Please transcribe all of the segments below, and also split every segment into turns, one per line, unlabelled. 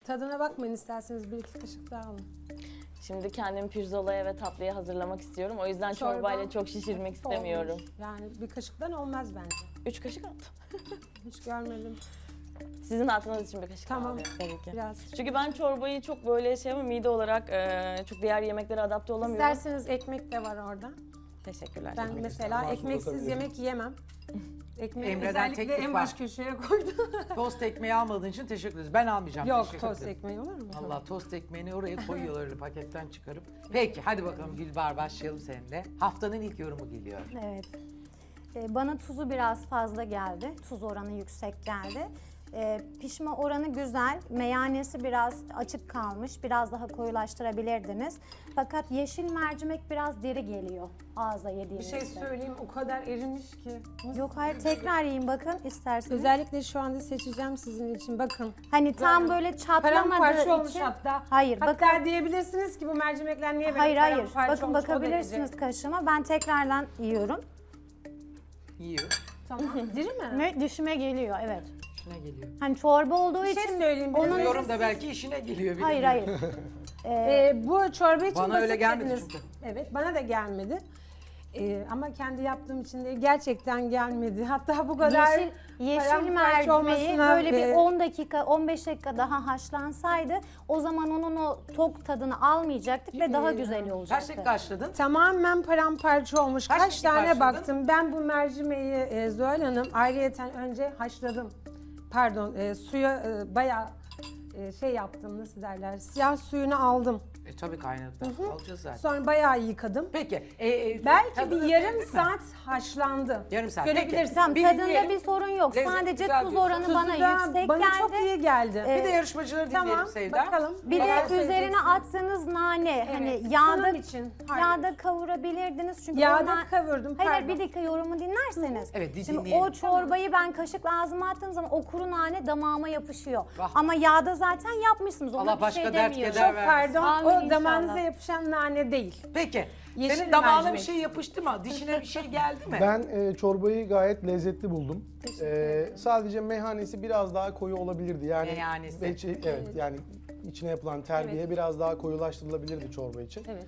Tadına bakmayın, isterseniz bir iki kaşık daha alın.
Şimdi kendimi pirzolaya ve tatlıya hazırlamak istiyorum. O yüzden
Çorba
çorbayla çok şişirmek istemiyorum.
Olmuş. Yani bir kaşıktan olmaz bence.
3 kaşık attım.
Hiç görmedim.
Sizin atmanız için bir kaşık
Tamam.
alıyorum tabii ki.
Biraz.
Çünkü ben çorbayı çok böyle şey ama mide olarak çok diğer yemeklere adapte olamıyorum.
İsterseniz ekmek de var orada.
Teşekkürler.
Ben mesela
var,
ekmeksiz
bakabilirim.
yemek yiyemem. Ekmeği
Emre'den
özellikle
teklif
en
var.
baş köşeye koydum.
Tost ekmeği almadığın için teşekkür ederiz. Ben almayacağım.
Yok,
teşekkür
tost
ederim.
ekmeği olur mu?
Allah, tost ekmeğini oraya koyuyorlar öyle paketten çıkarıp. Peki hadi bakalım Gülbahar, başlayalım seninle. Haftanın ilk yorumu geliyor.
Evet. Bana tuzu biraz fazla geldi. Tuz oranı yüksek geldi. Pişme oranı güzel. Meyanesi biraz açık kalmış. Biraz daha koyulaştırabilirdiniz. Fakat yeşil mercimek biraz diri geliyor ağza
Bir
yediğinizde.
şey söyleyeyim, o kadar erimiş ki.
Yok hayır, tekrar yiyin bakın isterseniz.
Özellikle şu anda seçeceğim sizin için. Bakın.
Hani tam böyle
Paramparça
çatlamadığı
olmuş
için.
hatta.
Hayır,
Hatta
bakın.
diyebilirsiniz ki bu mercimekler niye böyle
Hayır hayır.
paramparça
Bakın
olmuş, o
bakabilirsiniz
derece.
kaşığıma. Ben tekrardan yiyorum.
Yiyor.
Tamam. Diri mi?
Ve dişime geliyor, evet.
İşine geliyor.
Hani çorba olduğu
Bir şey
için
söyleyeyim.
onun-
Onun
Yorum da belki işine geliyor.
hayır
bilemiyorum.
hayır.
bu çorba için
Bana
basit
öyle gelmedi
dediniz.
çünkü.
Evet, bana da gelmedi. Ama kendi yaptığım için de gerçekten gelmedi. Hatta bu kadar
Yeşil
paramparça
mercimeği
olmasına,
böyle bir 10 dakika, 15 dakika daha haşlansaydı o zaman onun o tok tadını almayacaktık ve daha güzel
Kaç
olacaktı.
dakika haşladın?
tamamen paramparça olmuş.
Kaç
Kaç
dakika
tane
haşladın?
baktım. Ben bu mercimeği Zuhal Hanım ayrıyeten önce haşladım. Pardon, suya bayağı şey yaptım, nasıl derler, siyah suyunu aldım.
Tabii kaynadı. Alacağız zaten.
Sonra bayağı yıkadım.
Peki.
Belki
tadını
bir yarım
sevdin mi?
saat haşlandı.
Yarım saat.
Görebilirsin.
Tamam,
Bir
tadında
dinleyelim.
bir sorun yok.
Lezzet
Sadece
güzel
tuz
diyorsun.
oranı
Tuzu
bana
da
yüksek
bana
geldi.
çok iyi geldi.
Bir de yarışmacıları dinleyelim
Tamam,
Sevda.
bakalım.
Bir
Neler
de üzerine
söyleyeceksiniz?
attığınız nane
Evet,
hani
sunum
yağda
için. Hayır.
yağda kavurabilirdiniz çünkü
Yağda
onlar-
kavurdum,
Hayır
pardon.
bir dakika yorumu dinlerseniz.
Evet,
Şimdi
dinleyelim.
o çorbayı ben kaşıkla ağzıma attığım zaman o kuru nane damağıma yapışıyor.
Vah.
Ama yağda zaten yapmışsınız. Ona
Allah
bir
başka
şey
dert
demiyorum.
keder
Çok
vermesin.
pardon,
Amin
o
inşallah.
damağınıza yapışan nane değil.
Peki.
Yeşil
Senin damağına bir
mercimek.
şey yapıştı mı? Dişine bir şey geldi mi?
Ben çorbayı gayet lezzetli buldum. Sadece meyhanesi biraz daha koyu olabilirdi. Yani
Meyhanesi.
Evet, yani içine yapılan terbiye
Evet.
biraz daha koyulaştırılabilirdi çorba için.
Evet.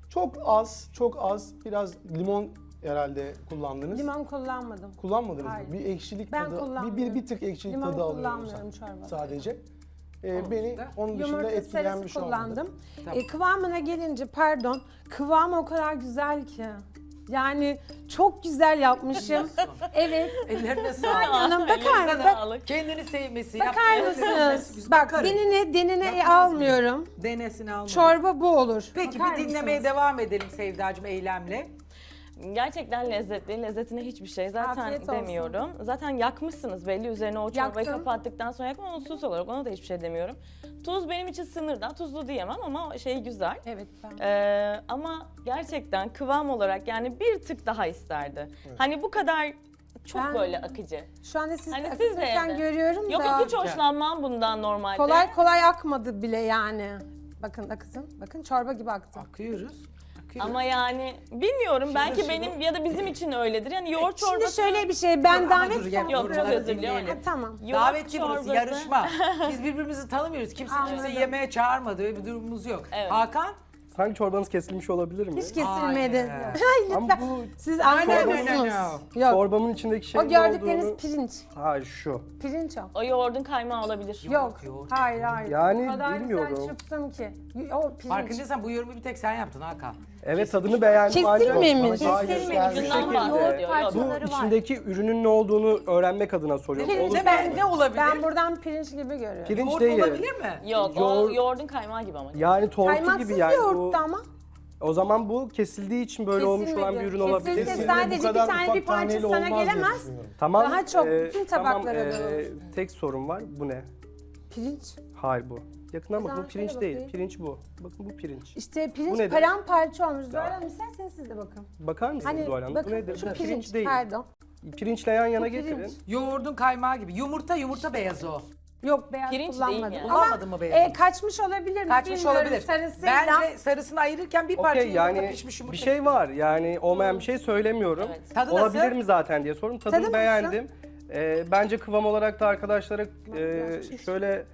Çok az biraz limon herhalde kullandınız.
Limon kullanmadım.
Kullanmadınız
Hayır.
mı? Bir ekşilik
Ben
tadı,
kullanmıyorum.
bir tık ekşilik
Limon
tadı alıyorum
kullanmıyorum çorbada.
sadece.
Onun
Beni
dışında?
onun dışında
Yumurta
etkileyen
sarısı
bir şey olmadı.
kullandım.
Tamam.
Kıvamına gelince pardon, kıvamı o kadar güzel ki. Yani çok güzel yapmışım. Evet.
Ellerine sağlık.
Hanım bakar
Elinize
mısın?
sağlık.
Kendini sevmesi.
Bakar mısınız? Bak denine almıyorum.
Denesini almadım.
Çorba bu olur.
Peki
Bakar
bir dinlemeye
mısınız?
devam edelim Sevdacığım eylemle.
Gerçekten lezzetli. Lezzetine hiçbir şey zaten
Afiyet olsun.
demiyorum. Zaten yakmışsınız belli, üzerine o çorbayı
Yaktım.
kapattıktan sonra yakma, onu sus olarak ona da hiçbir şey demiyorum. Tuz benim için sınırda. Tuzlu diyemem ama şey güzel.
Evet ben.
Ama gerçekten kıvam olarak yani bir tık daha isterdi. Hani bu kadar çok
Ben-
böyle akıcı.
Şu anda siz
Hani siz de
akıtırken
evde.
görüyorum
Yok
da.
yok, hiç hoşlanmam bundan normalde.
Kolay kolay akmadı bile yani. Bakın akıtın. Bakın çorba gibi aktı.
Akıyoruz.
Ama yani bilmiyorum, belki
şunu-
benim ya da bizim için öyledir. Yani yoğurt çorbası.
Şimdi şöyle bir şey, ben
Dur,
davet
dur, gel,
Yok, çok
yorumları
özür diliyorum.
dinleyelim.
Ha, tamam.
Yoğurt
Davetçi burası,
çorbası.
yarışma. Biz birbirimizi tanımıyoruz. Kimse kimse
Anladım.
yemeğe çağırmadı ve bir durumumuz yok.
Evet.
Hakan?
Sanki çorbanız kesilmiş olabilir mi?
Hiç kesilmedi.
Hayır.
Hayır
Ama
lütfen.
bu
Siz
no,
anlıyor
no,
musunuz?
no.
Yok.
çorbamın içindeki şey
O gördükleriniz
olduğunu...
pirinç.
Hayır şu.
Pirinç o.
O yoğurdun kaymağı olabilir.
Yok.
yoğurt.
Hayır hayır.
Yani
o kadar
bilmiyorum.
güzel çırptım ki. O pirinç.
Farkındaysan bu yorumu bir tek sen yaptın Hakan.
Evet, tadını beğendim.
Kesilmemiş.
ancak bana daha
Kesilmemiş.
göstermiş
Ucundan
şekilde.
bahsediyor. Yok.
Parçaları
Bu
var.
içindeki ürünün ne olduğunu öğrenmek adına soruyorum.
Ne,
Olur.
ne olabilir?
Ben buradan pirinç gibi görüyorum.
Pirinç
Yoğurt
değil.
olabilir mi?
Yok, o
Yoğurt-
yoğurdun kaymağı gibi ama.
Yani tortu
Kaymaksız
gibi yani.
yoğurttu ama.
O zaman bu kesildiği için böyle olmuş olan
Kesilmedi.
bir ürün olabilir.
Kesilse
Kesinlikle bu
sadece bir
kadar
tane
ufak
bir parça
taneli
sana
olmaz diye
gelemez.
düşünüyorum.
Tamam.
Daha çok, bütün tabaklara
tamam,
dağılır.
tek sorum var. Bu ne?
Pirinç.
Hayır bu. Yakından bakın,
zaman
bu pirinç
şöyle
değil.
bakayım.
Pirinç bu. Bakın bu pirinç.
İşte
Bu
pirinç
nedir?
paramparça olmuş. Zuhal Hanım isterseniz siz de bakın.
Bakar mısınız
Hani
Zuhal Hanım? Bu
bakın
nedir?
şu
Bu
pirinç,
değil.
pardon.
Pirinçle yan yana
Bu pirinç.
getirin.
Yoğurdun kaymağı gibi. Yumurta beyazı o.
Yok beyaz
Pirinç
kullanmadım.
değil yani.
Kullanmadın mı beyazı?
Kaçmış olabilir mi?
Kaçmış
Bilmiyorum.
olabilir.
Sarısıyla.
Bence sarısını ayırırken bir parça
Okey,
yumurta
yani
pişmiş yumurta.
bir şey var. Yani olmayan bir şey söylemiyorum.
Evet.
Tadı
Olabilir
nasıl?
mi zaten diye sordum.
Tadı
Tadını
nasıl?
beğendim. Bence kıvam olarak da arkadaşlara şöyle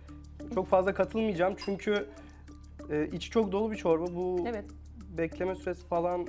Çok fazla katılmayacağım çünkü içi çok dolu bir çorba. Bu
Evet.
bekleme süresi falan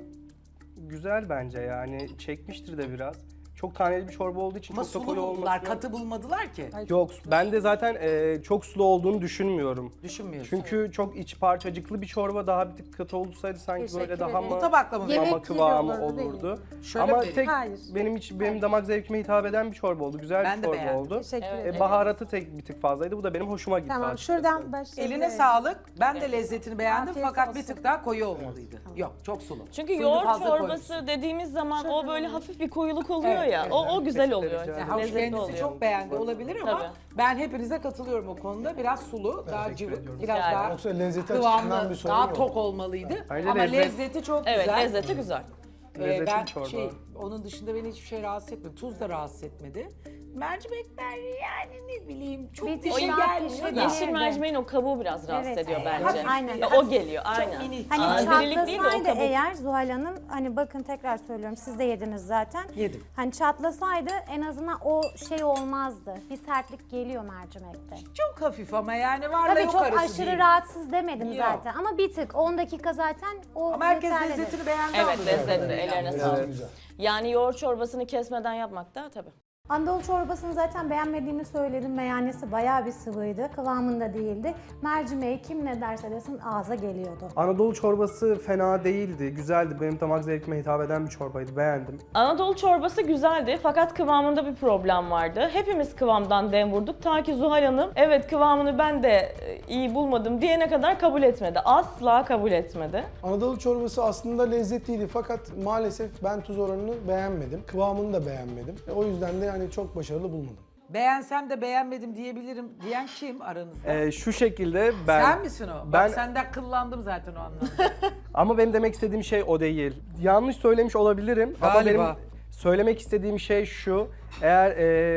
güzel bence yani. Çekmiştir de biraz. Çok taneli bir çorba olduğu için
Ama
çok da
sulu
koyu
buldular,
olması.
katı bulmadılar ki.
Yok, ben de zaten çok sulu olduğunu düşünmüyorum.
Düşünmüyorsun.
Çünkü çok iç parçacıklı bir çorba, daha bir tık katı olsaydı sanki
Teşekkür
böyle daha
ederim.
mı
Bu tabakla mı?
Yemek
ama
gibi
kıvamı
olurdu, değil mi?
olurdu.
Şöyle
Ama
mi?
tek
Hayır.
benim damak zevkime hitap eden bir çorba oldu. Güzel
Ben
bir
de
çorba
beğendim.
oldu.
Teşekkür ederim.
Baharatı bir tık fazlaydı. Bu da benim hoşuma gitti
Tamam,
açıkçası.
şuradan başlayalım.
Eline sağlık. Ben de lezzetini beğendim
Afiyet
fakat bir
olsun.
tık daha koyu olmalıydı. Yok, çok sulu.
Çünkü
Suyunu
yoğurt
fazla
çorbası
koymuşsun.
dediğimiz zaman o böyle hafif bir koyuluk oluyor
Evet,
ya.
evet.
O güzel
Peçete
oluyor.
rica ederim.
Havuç
Lezzetli
kendisi
oluyor.
çok beğendi olabilir ama
Tabii.
ben hepinize katılıyorum o konuda. Biraz sulu, daha
Teşekkür
cıvık,
ediyorum.
biraz
Rica
daha
ederim.
Yoksa lezzeti açısından
kıvamlı,
bir sorun
daha
yok.
tok olmalıydı.
Bence
Ama
lezzet-
lezzeti çok
Evet,
güzel.
lezzeti güzel.
Lezzetli
Ben
bir çorba.
onun dışında beni hiçbir şey rahatsız etmedi. Tuz da rahatsız etmedi. Mercimekler yani ne bileyim çok
Bir
bir
tık
şey
daha
gelmiyor
pişirdi.
da.
Yeşil mercimeğin o kabuğu biraz rahatsız
Evet,
ediyor
evet.
bence.
Aynen.
Ya o geliyor,
Çok
aynen.
minik.
Hani
Dirilik değil de o
çatlasaydı
kabuk.
eğer Zuhal Hanım, hani bakın tekrar söylüyorum, siz de yediniz zaten.
Yedim.
Hani çatlasaydı en azından o şey olmazdı. Bir sertlik geliyor mercimekte.
Çok hafif ama yani varla
Tabii
yok
çok
arası
aşırı
değil.
rahatsız demedim
Yok.
zaten ama bir tık 10 dakika zaten o
Ama herkes
yeterlidir.
lezzetini beğendi.
Evet,
anladığım
lezzetli.
kadarıyla.
Ellerine
Evet,
sağlık.
güzel.
Yani yoğurt çorbasını kesmeden yapmak da tabii.
Anadolu çorbasını zaten beğenmediğimi söyledim. Meyanesi bayağı bir sıvıydı. Kıvamında değildi. Mercimeği kim ne derse desin ağza geliyordu.
Anadolu çorbası fena değildi, güzeldi. Benim damak zevkime hitap eden bir çorbaydı, beğendim.
Anadolu çorbası güzeldi fakat kıvamında bir problem vardı. Hepimiz kıvamdan dem vurduk. Ta ki Zuhal Hanım evet kıvamını ben de iyi bulmadım diyene kadar kabul etmedi. Asla kabul etmedi.
Anadolu çorbası aslında lezzetliydi fakat maalesef ben tuz oranını beğenmedim. Kıvamını da beğenmedim. O yüzden de hani çok başarılı bulmadım.
Beğensem de beğenmedim diyebilirim diyen kim aranızda?
Şu şekilde ben...
Sen misin o?
ben-
Bak senden kıllandım zaten o anlamda.
Ama benim demek istediğim şey o değil. Yanlış söylemiş olabilirim ama
Galiba.
benim söylemek istediğim şey şu. Eğer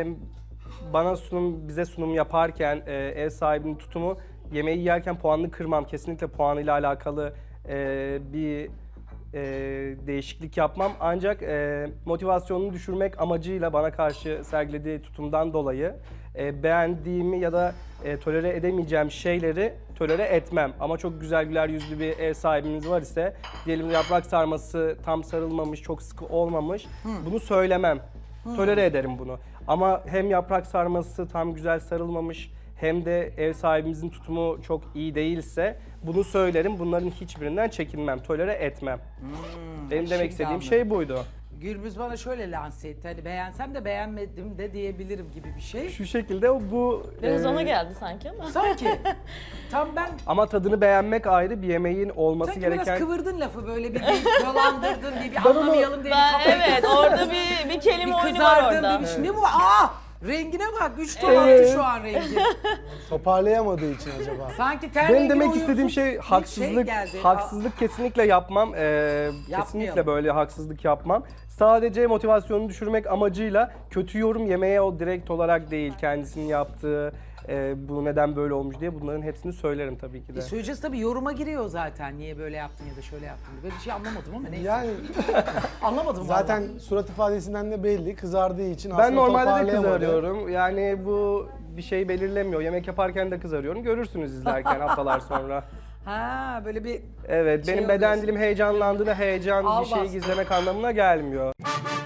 bize sunum yaparken ev sahibinin tutumu yemeği yerken puanını kırmam. Kesinlikle puanıyla alakalı bir değişiklik yapmam. Ancak motivasyonunu düşürmek amacıyla bana karşı sergilediği tutumdan dolayı beğendiğimi ya da tolere edemeyeceğim şeyleri tolere etmem. Ama çok güzel güler yüzlü bir ev sahibimiz var ise, diyelim yaprak sarması tam sarılmamış, çok sıkı olmamış, bunu söylemem. Tolere ederim bunu. Ama hem yaprak sarması tam güzel sarılmamış, hem de ev sahibimizin tutumu çok iyi değilse bunu söylerim. Bunların hiçbirinden çekinmem, tolere etmem. Benim demek
şimdi
istediğim
anladım.
şey buydu.
Gürbüz bana şöyle lanse etti. Hani beğensem de beğenmedim de diyebilirim gibi bir şey.
Şu şekilde bu...
Biraz
e,
ona geldi sanki ama.
Sanki tam ben
Ama tadını beğenmek ayrı, bir yemeğin olması
sanki biraz
gereken...
kıvırdın lafı böyle bir dolandırdın diye bir anlamayalım diye bir
Ben
kafayı
evet orada bir kelime
bir
oyunu var
kızardın
orada.
bir şey. Ne bu? Aa! Rengine bak. 3 ton attı şu an rengi.
Toparlayamadığı için acaba.
Sanki ten
Benim
rengine
demek istediğim
uyumsuz
şey
bir
haksızlık,
geldi.
haksızlık kesinlikle yapmam. Kesinlikle böyle haksızlık yapmam. Sadece motivasyonunu düşürmek amacıyla kötü yorum yemeye o direkt olarak değil, kendisinin yaptığı bu neden böyle olmuş diye bunların hepsini söylerim tabii ki de.
Söyleyeceğiz tabii, yoruma giriyor zaten. Niye böyle yaptın ya da şöyle yaptın diye. Böyle bir şey anlamadım ama neyse.
Yani
Anlamadım
zaten
vallahi.
surat ifadesinden de belli, kızardığı için
Ben
aslında
normalde de
toparlayamadı.
kızarıyorum. Yani bu bir şey belirlemiyor. Yemek yaparken de kızarıyorum. Görürsünüz izlerken haftalar sonra.
Ha böyle bir
Evet,
Şey
benim beden
oluyorsun.
dilim heyecanlandığında heyecan
Al
bir şeyi
bastı.
gizlemek anlamına gelmiyor.